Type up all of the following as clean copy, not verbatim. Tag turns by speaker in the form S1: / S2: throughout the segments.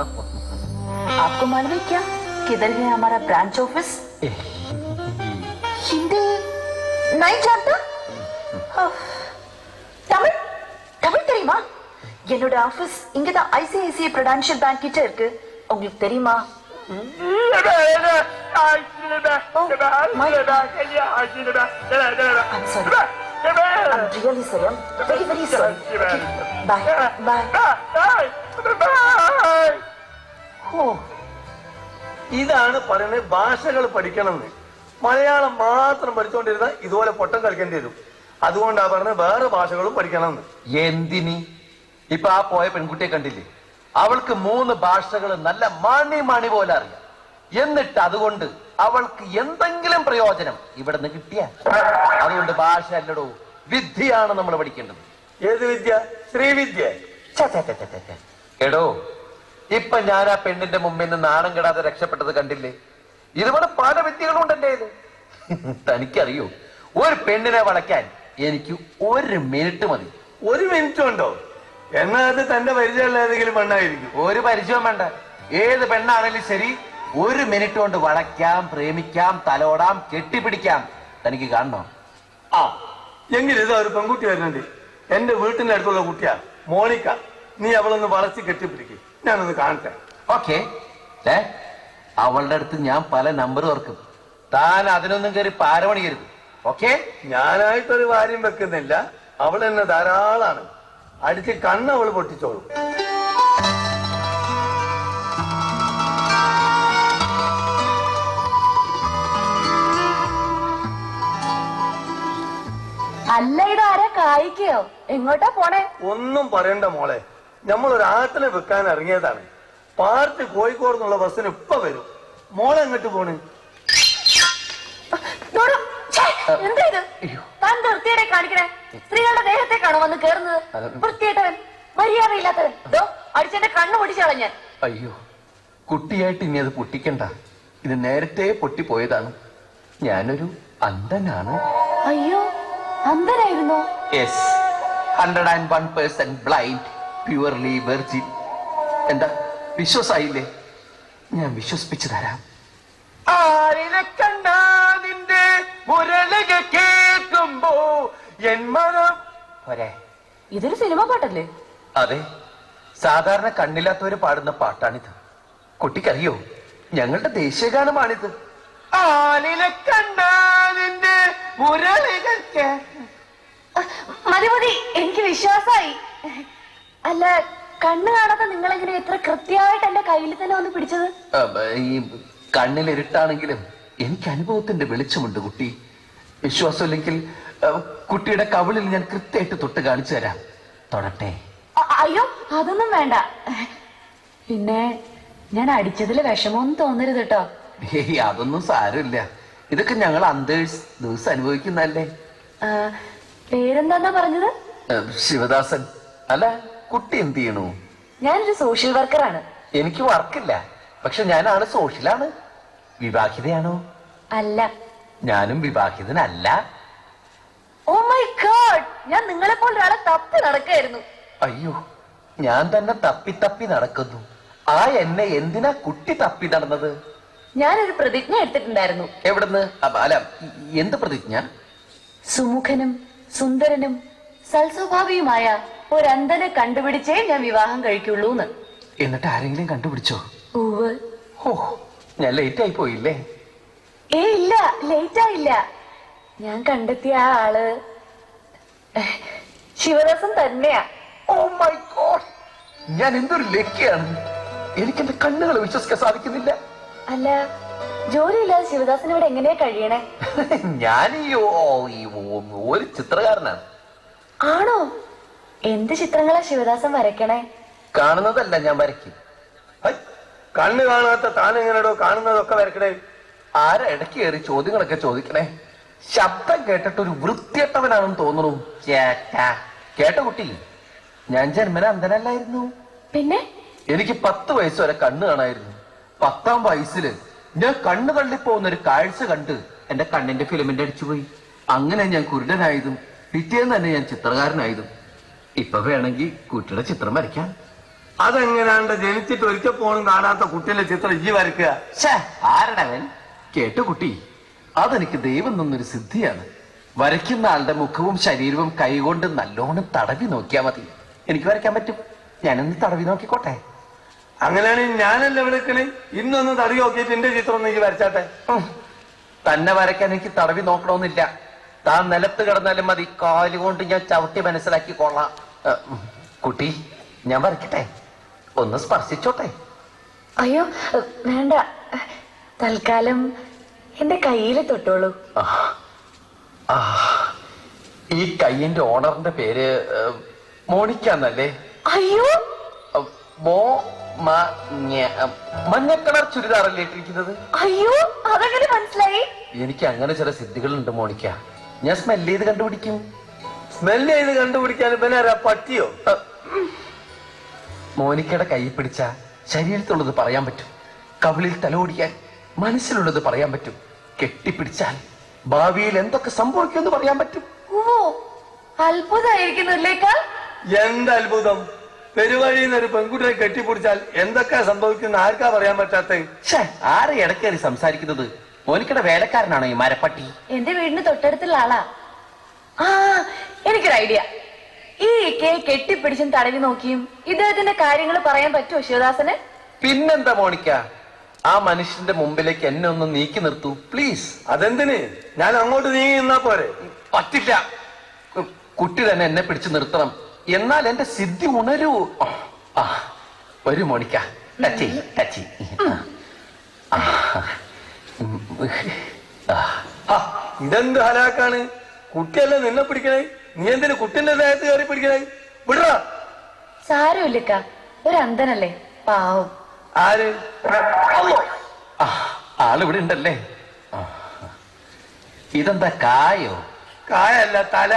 S1: आपको मालूम है क्या किधर है हमारा ब्रांच ऑफिस? हिंदी नहीं जानता? தமிழ் தமிழ் தெரியுமா? என்னோட ஆபீஸ் இங்கதான் ஐசிஐசிஐ பிரெடென்ஷியல் பேங்க் கிட்ட இருக்கு. உங்களுக்கு தெரியுமா? I'm sorry. I'm really sorry. I'm very, very sorry. Okay. Bye. Bye.
S2: Oh. ഇതാണ് പറയുന്നത് ഭാഷകൾ പഠിക്കണമെന്ന്. മലയാളം മാത്രം പഠിച്ചുകൊണ്ടിരുന്നാൽ ഇതുപോലെ പൊട്ടം കളിക്കേണ്ടി വരും. അതുകൊണ്ടാ പറഞ്ഞത് വേറെ ഭാഷകളും പഠിക്കണമെന്ന്.
S3: എന്തിനി? ഇപ്പൊ ആ പോയ പെൺകുട്ടിയെ കണ്ടില്ലേ? അവൾക്ക് 3 ഭാഷകൾ നല്ല മണി പോലെ അറിയാം. എന്നിട്ട് അതുകൊണ്ട് അവൾക്ക് എന്തെങ്കിലും പ്രയോജനം ഇവിടെ നിന്ന് കിട്ടിയ? അതുകൊണ്ട് ഭാഷ അല്ലടോ, വിദ്യയാണ് നമ്മൾ പഠിക്കേണ്ടത്.
S2: ഏത് വിദ്യ? ശ്രീവിദ്യ.
S3: എടോ, ഇപ്പൊ ഞാൻ ആ പെണ്ണിന്റെ മുമ്പിൽ നിന്ന് നാണം കെടാതെ രക്ഷപ്പെട്ടത് കണ്ടില്ലേ? ഇതുപോലെ പല വിദ്യകളും ഉണ്ടല്ലേ ഇത്. തനിക്കറിയോ, ഒരു പെണ്ണിനെ വളയ്ക്കാൻ എനിക്ക് 1 മിനിറ്റ് മതി.
S2: 1 മിനിറ്റ് ഉണ്ടോ? എന്നാ അത് തന്റെ പരിചയമുള്ള ഏതെങ്കിലും പെണ്ണായിരിക്കും.
S3: ഒരു പരിചയം വേണ്ട, ഏത് പെണ്ണാണെങ്കിലും ശരി 1 മിനിറ്റ് കൊണ്ട് വളയ്ക്കാം, പ്രേമിക്കാം, തലോടാം, കെട്ടിപ്പിടിക്കാം. തനിക്ക് കാണണോ?
S2: ആ, എങ്കിലും ഇതാ ഒരു പെൺകുട്ടി വരുന്നുണ്ട്. എന്റെ വീട്ടിന്റെ അടുത്തുള്ള കുട്ടിയാ, മോണിക്ക. നീ അവളൊന്ന് വളച്ച് കെട്ടിപ്പിടിക്കും, ഞാനൊന്ന് കാണട്ടെ.
S3: ഓക്കെ. അവളുടെ അടുത്ത് ഞാൻ പല നമ്പർ ഓർക്കും. താൻ അതിനൊന്നും കയറി പാരമണിയരുത്. ഓക്കെ?
S2: ഞാനായിട്ടൊരു കാര്യം വെക്കുന്നില്ല, അവൾ എന്നെ ധാരാളാണ്. അടിച്ച് കണ്ണ് അവള് പൊട്ടിച്ചോളും.
S1: അല്ല, ഇതാരാ കായിക്കയോ? എങ്ങോട്ടാ പോണേ?
S2: ഒന്നും പറയണ്ട മോളെ, നമ്മളൊരു ആട്ടിനെ വെക്കാൻ ഇറങ്ങിയതാണ്. പാർട്ടി കോഴിക്കോട് നിന്നുള്ള ബസ്സിന് ഇപ്പൊ വരും. മോളെ എങ്ങോട്ട് പോണ്?
S1: എന്താ ഇത്? താൻ വൃത്തിയുടെ കാണിക്കണേ? സ്ത്രീകളുടെ ദേഹത്തേക്കാണോ വന്ന് കേറുന്നത്? വൃത്തിയായിട്ടവൻ, മര്യാദയില്ലാത്തവൻ. അടിച്ചെന്റെ കണ്ണ് പൊടിച്ചു കളഞ്ഞാൻ.
S3: അയ്യോ, കുട്ടിയായിട്ട് ഇനി അത് പൊട്ടിക്കണ്ട. ഇത് നേരത്തെ പൊട്ടിപ്പോയതാണ്. ഞാനൊരു അന്ധനാണ്.
S1: അയ്യോ, അന്ധനായിരുന്നോ?
S3: Yes, 101% blind, purely virgin. എന്താ, വിശ്വാസായില്ലേ? ഞാൻ വിശ്വസിപ്പിച്ചു തരാം. ആരിനെ കണ്ടാ നിന്റെ മുരളിക കേൾക്കുമ്പോ എൻ മനം പോരെ.
S1: ഇതൊരു സിനിമ പാട്ടല്ലേ?
S3: അതെ, സാധാരണ കണ്ണില്ലാത്തവര് പാടുന്ന പാട്ടാണിത്. കുട്ടിക്കറിയോ, ഞങ്ങളുടെ ദേശീയഗാനമാണിത്. ആലിനെ കണ്ടാ നിന്റെ മുരളിക.
S1: മതി മതി, എനിക്ക് വിശ്വാസായി. അല്ല, കണ്ണ് കാണാത്ത നിങ്ങളെങ്ങനെ എത്ര കൃത്യമായിട്ട് എന്റെ കയ്യിൽ തന്നെ വന്ന് പിടിച്ചത്?
S3: ഈ കണ്ണിൽ ഇരുട്ടാണെങ്കിലും എനിക്ക് അനുഭവത്തിന്റെ വെളിച്ചമുണ്ട് കുട്ടി. വിശ്വാസമില്ലെങ്കിൽ കുട്ടിയുടെ കവിളിൽ ഞാൻ കൃത്യമായിട്ട് തൊട്ട് കാണിച്ചു തരാം. തൊടട്ടെ?
S1: അയ്യോ, അതൊന്നും വേണ്ട. പിന്നെ ഞാൻ അടിച്ചതിൽ വിഷമമൊന്നും തോന്നരുത് കേട്ടോ.
S3: ഏയ്, അതൊന്നും സാരമില്ല. ഇതൊക്കെ ഞങ്ങൾ അന്തേഴ്സ് ദിവസം അനുഭവിക്കുന്നല്ലേ.
S1: പേരെന്താ പറഞ്ഞത്?
S3: ശിവദാസൻ. അല്ല, കുട്ടി എന്ത് ചെയ്യണു?
S1: ഞാനൊരു സോഷ്യൽ വർക്കറാണ്.
S3: എനിക്ക് വർക്കില്ല, പക്ഷെ ഞാനാണ് സോഷ്യലാണ്. വിവാഹിതയാണോ?
S1: അല്ല.
S3: ഞാനും വിവാഹിതനല്ല.
S1: ഓ മൈ ഗോഡ്, ഞാൻ നിങ്ങളെ പോലെ ഒരാളെ തപ്പി നടക്കായിരുന്നു.
S3: അയ്യോ, ഞാൻ തന്നെ തപ്പി തപ്പി നടക്കുന്നു. ആ എന്നെ എന്തിനാ കുട്ടി തപ്പി നടന്നത്?
S1: ഞാനൊരു പ്രതിജ്ഞ എടുത്തിട്ടുണ്ടായിരുന്നു.
S3: എവിടുന്ന്? അല്ല, എന്ത് പ്രതിജ്ഞ?
S1: സുമുഖനും സുന്ദരനും സൽസ്വഭാവിയുമായ ഒരന്ധനെ കണ്ടുപിടിച്ചേ ഞാൻ വിവാഹം കഴിക്കുള്ളൂന്ന്.
S3: എന്നിട്ട് ആരെങ്കിലും കണ്ടുപിടിച്ചോ?
S1: ഉവ്വ്.
S3: ഓ, ഞാൻ ലേറ്റ് ആയി പോയില്ലേ?
S1: ഇല്ല, ലേറ്റ് ആയില്ല. ഞാൻ കണ്ടെത്തിയ ആ ആള് ശിവദാസൻ തന്നെയാ.
S3: ഓ മൈ ഗോഡ്, ഞാൻ എന്തൊരു ലക്കിയാണ്. എനിക്ക് എന്റെ കണ്ണുകൾ വിശ്വസിക്കാൻ സാധിക്കുന്നില്ല.
S1: അല്ല, ജോലിയില്ലാതെ ശിവദാസൻ ഇവിടെ എങ്ങനെയാ കഴിയണേ?
S3: ഞാൻ ഒരു ചിത്രകാരനാണ്.
S1: ആണോ? എന്ത് ചിത്രങ്ങളാ ശിവദാസൻ വരയ്ക്കണേ?
S3: കാണുന്നതല്ല ഞാൻ വരയ്ക്കും.
S2: കണ്ണ് കാണാത്ത താൻ എങ്ങനെയോ കാണുന്നതൊക്കെ വരക്കണേ?
S3: ആരാ ഇടയ്ക്ക് കയറി ചോദ്യങ്ങളൊക്കെ ചോദിക്കണേ? ശബ്ദം കേട്ടിട്ട് ഒരു വൃത്തിയട്ടവനാണെന്ന് തോന്നുന്നു. കേട്ട കുട്ടി, ഞാൻ ജന്മന അന്ധനല്ലായിരുന്നു.
S1: പിന്നെ
S3: എനിക്ക് 10 വയസ്സ് വരെ കണ്ണ് കാണായിരുന്നു. 10ാം വയസ്സില് ഞാൻ കണ്ണ് തള്ളിപ്പോകുന്ന ഒരു കാഴ്ച കണ്ട് എന്റെ കണ്ണിന്റെ ഫിലമെന്റ് അടിച്ചുപോയി. അങ്ങനെ ഞാൻ കുരുടനായതും പിറ്റേന്ന് തന്നെ ഞാൻ ചിത്രകാരനായതും. ഇപ്പൊ വേണമെങ്കിൽ കുട്ടിയുടെ ചിത്രം വരയ്ക്കാം.
S2: അതെങ്ങനെയാണ്ട് ജനിച്ചിട്ട് ഒരിക്കൽ പോലും കാണാത്ത കുട്ടിയുടെ ചിത്രം ഈ വരയ്ക്കുക?
S3: ആരടവൻ കേട്ടു കുട്ടി, അതെനിക്ക് ദൈവം തന്നൊരു സിദ്ധിയാണ്. വരയ്ക്കുന്ന ആളുടെ മുഖവും ശരീരവും കൈകൊണ്ട് നല്ലോണം തടവി നോക്കിയാ മതി. എനിക്ക് വരയ്ക്കാൻ പറ്റും. ഞാനൊന്ന് തടവി നോക്കിക്കോട്ടെ.
S2: അങ്ങനെയാണെങ്കിൽ ഞാനല്ല വിളിക്കണേ. ഇന്നൊന്ന് തടി നോക്കിയിട്ട് എന്റെ ചിത്രം ഒന്ന് എനിക്ക് വരച്ചാട്ടെ.
S3: തന്നെ വരയ്ക്കാൻ എനിക്ക് തടവി നോക്കണമെന്നില്ല. താൻ നിലത്ത് കിടന്നാലും മതി, കാലുകൊണ്ട് ഞാൻ ചവിട്ടി മനസ്സിലാക്കിക്കൊള്ളാം. കുട്ടി, ഞാൻ വരയ്ക്കട്ടെ? ഒന്ന് സ്പർശിച്ചോട്ടെ?
S1: അയ്യോ വേണ്ട, തൽക്കാലം എന്റെ കയ്യിൽ തൊട്ടോളൂ.
S3: ഈ കയ്യിന്റെ ഓണറിന്റെ പേര് മോണിക്കാന്നല്ലേ?
S1: അയ്യോ
S3: മഞ്ഞ കളർ ചുരിദാറല്ലേ ഇട്ടിരിക്കുന്നത്?
S1: അയ്യോ അതെങ്ങനെ മനസ്സിലായി?
S3: എനിക്ക് അങ്ങനെ ചില സിദ്ധികളുണ്ട് മോണിക്ക. ഞാൻ സ്മെല് ചെയ്ത് കണ്ടുപിടിക്കും.
S2: സ്മെല്ല് ചെയ്ത് കണ്ടുപിടിക്കാൻ പിന്നെ ആരാ, പറ്റിയോ?
S3: മോനിക്കയുടെ കൈ പിടിച്ച ശരീരത്തുള്ളത് പറയാൻ പറ്റും. കവിളിൽ തലോടിയാൽ മനസ്സിലുള്ളത് പറയാൻ പറ്റും. കെട്ടിപ്പിടിച്ചാൽ ഭാവിയിൽ എന്തൊക്കെ സംഭവിക്കുമെന്ന് പറയാൻ പറ്റും.
S1: ഓ അത്ഭുതമായിരിക്കുന്നില്ലേക്കാൾ.
S2: എന്ത് അത്ഭുതം! പെരുവഴിയിൽ നിന്ന് ഒരു പെൺകുട്ടിയെ കെട്ടിപ്പിടിച്ചാൽ എന്തൊക്കെ സംഭവിക്കുന്ന ആർക്കാ പറയാൻ പറ്റാത്ത?
S3: ആരെ ഇടക്കേറി സംസാരിക്കുന്നത്? മോനിക്കയുടെ വേലക്കാരനാണോ ഈ മരപ്പട്ടി?
S1: എന്റെ വീടിന് തൊട്ടടുത്തുള്ള ആളാ. ആ എനിക്കൊരു ഐഡിയ. ഈ ഇക്കയെ കെട്ടിപ്പിടിച്ചും തടവി നോക്കിയും ഇദ്ദേഹത്തിന്റെ കാര്യങ്ങൾ പറയാൻ പറ്റുമോ ശിവദാസന്?
S3: പിന്നെന്താ മോണിക്ക, ആ മനുഷ്യന്റെ മുമ്പിലേക്ക് എന്നെ ഒന്ന് നീക്കി നിർത്തൂ പ്ലീസ്.
S2: അതെന്തിന്? ഞാൻ അങ്ങോട്ട് നീങ്ങി നിന്നാ പോരെ?
S3: പറ്റില്ല. കുട്ടി തന്നെ എന്നെ പിടിച്ചു നിർത്തണം. എന്നാൽ എന്റെ സിദ്ധി ഉണരൂ. വരൂ മോണിക്ക, ടച്ചി ടച്ചി.
S2: ഇതെന്ത് ഹലാക്കാണ്? കുട്ടിയല്ലേ നിന്നെ പിടിക്കണേ, നീ എന്തിനു കുട്ടിന്റെ ദേഹത്ത് കയറി പിടിക്കണേ? വിടറാ.
S1: സാരമില്ലക്ക, ഒരു അന്ധനല്ലേ, പാവം.
S2: ആര്?
S3: ആളിവിടെ ഉണ്ടല്ലേ? ഇതെന്താ കായോ?
S2: കായല്ല, തല.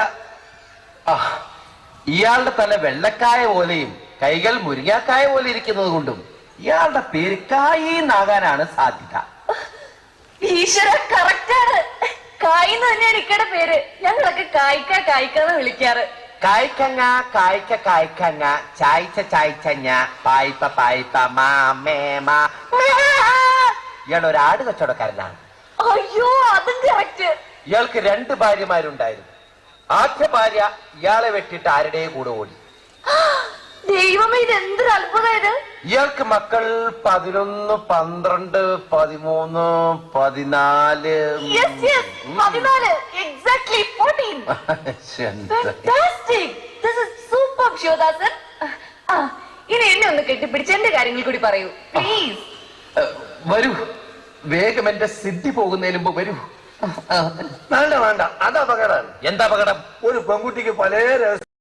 S3: ഇയാളുടെ തല വെള്ളക്കായ പോലെയും കൈകൾ മുരിങ്ങാക്കായ പോലെ ഇരിക്കുന്നത് കൊണ്ടും ഇയാളുടെ പേര് കായിന്നാകാനാണ് സാധ്യത.
S1: ഈശ്വര, കറക്റ്റാണ്. കായിന്ന് തന്നെയാണ് ഇക്കയുടെ പേര്. ഞങ്ങളൊക്കെ കായ്ക്ക കായ്ക്കാന്ന് വിളിക്കാറ്.
S3: കായ്ക്കങ്ങ കായ്ക്ക കായ്ക്കങ്ങ ചായ്ച്ച ചായ്ച്ചഞ്ഞ പായ്പ പായ്പ മാമേമാ. ഇയാൾ ഒരു ആട് കച്ചവടക്കാരനാണ്.
S1: അയ്യോ അതും കറക്റ്റ്.
S3: ഇയാൾക്ക് 2 ഭാര്യമാരുണ്ടായിരുന്നു. ആദ്യ ഭാര്യ ഇയാളെ വെട്ടിട്ട് ആരുടെ കൂടെ ഓടി.
S1: ദൈവമേ, ഇത് എന്തൊരു അത്ഭുതമായത്.
S3: ഇയാൾക്ക് മക്കൾ 11, 12, 13, 14.
S1: Yes, yes, 14. Exactly 14. Fantastic. This is superb, Sivadasan. ഇനി എന്നെ ഒന്ന് കെട്ടിപ്പിടിച്ച് എന്റെ കാര്യങ്ങൾ കൂടി പറയൂ പ്ലീസ്.
S3: വരൂ, വേഗം എന്റെ സിദ്ധി പോകുന്നതിന് മുമ്പ് വരൂ.
S2: വേണ്ട വേണ്ട, അത് അപകടമാണ്.
S3: എന്താ അപകടം?
S2: ഒരു പെൺകുട്ടിക്ക് പല രഹസ്യം